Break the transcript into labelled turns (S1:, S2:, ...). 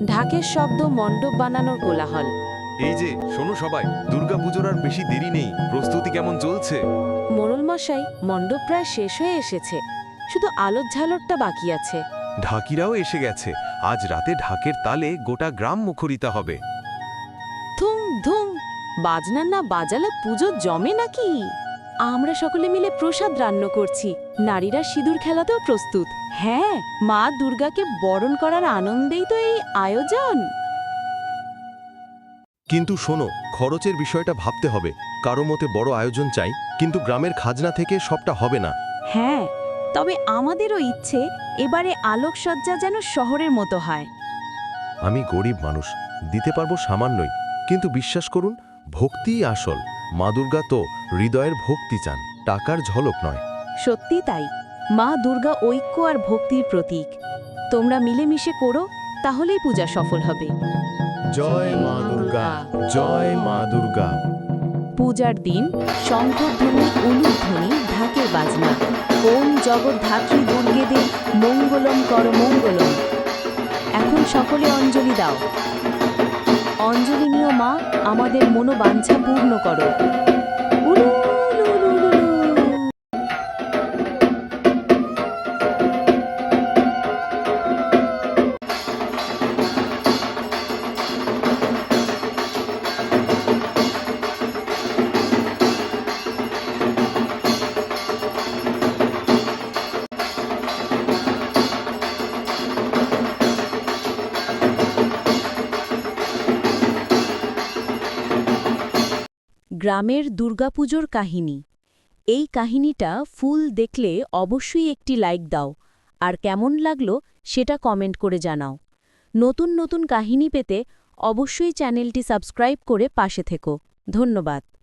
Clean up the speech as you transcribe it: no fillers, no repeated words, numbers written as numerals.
S1: ঢাকের শব্দ, মণ্ডপ বানানোর কোলাহল।
S2: এই যে শোনো সবাই, দুর্গাপুজোর আর বেশি দেরি নেই। প্রস্তুতি কেমন চলছে?
S1: মোড়ল মশাই, মণ্ডপ প্রায় শেষ হয়ে এসেছে, শুধু আলোর ঝালরটা বাকি আছে।
S2: ঢাকিরাও এসে গেছে। আজ রাতে ঢাকের তালে গোটা গ্রাম মুখরিত হবে।
S1: ধুম ধুম, বাজনা না বাজালে পুজো জমে নাকি? আমরা সকলে মিলে প্রসাদ রান্না করছি, নারীরা সিঁদুর খেলাতেও প্রস্তুত। হ্যাঁ, মা দুর্গাকে বরণ করার আনন্দেই তো এই আয়োজন।
S3: কিন্তু শোনো, খরচের বিষয়টা ভাবতে হবে। কারো মতে বড় আয়োজন চাই, কিন্তু গ্রামের খাজনা থেকে সবটা হবে না।
S1: হ্যাঁ, তবে আমাদেরও ইচ্ছে এবারে আলোকসজ্জা যেন শহরের মতো হয়।
S3: আমি গরিব মানুষ, দিতে পারবো সামান্যই, কিন্তু বিশ্বাস করুন, ভক্তিই আসল। মা দুর্গা তো হৃদয়ের ভক্তি চান, টাকার ঝলক নয়।
S1: সত্যি তাই, মা দুর্গা ঐক্য আর ভক্তির প্রতীক। তোমরা মিলেমিশে করো, তাহলেই পূজা সফল হবে।
S3: জয় মা দুর্গা, জয় মা দুর্গা।
S1: পূজার দিন শঙ্খধ্বনি, উলুধ্বনি, ঢাকের বাজনা। ওম জগদ্ধাত্রী দুর্গে দে মঙ্গলম কর মঙ্গলম। এখন সকলে অঞ্জলি দাও। অঞ্জলি নিও মা, আমাদের মনোবাঞ্ছা পূর্ণ করো। উলু, উলু, উলু, উলু, উলু। গ্রামের দুর্গাপুজোর কাহিনী। এই কাহিনীটা ফুল দেখলে অবশ্যই একটি লাইক দাও, আর কেমন লাগলো সেটা কমেন্ট করে জানাও। নতুন নতুন কাহিনী পেতে অবশ্যই চ্যানেলটি সাবস্ক্রাইব করে পাশে থেকো। ধন্যবাদ।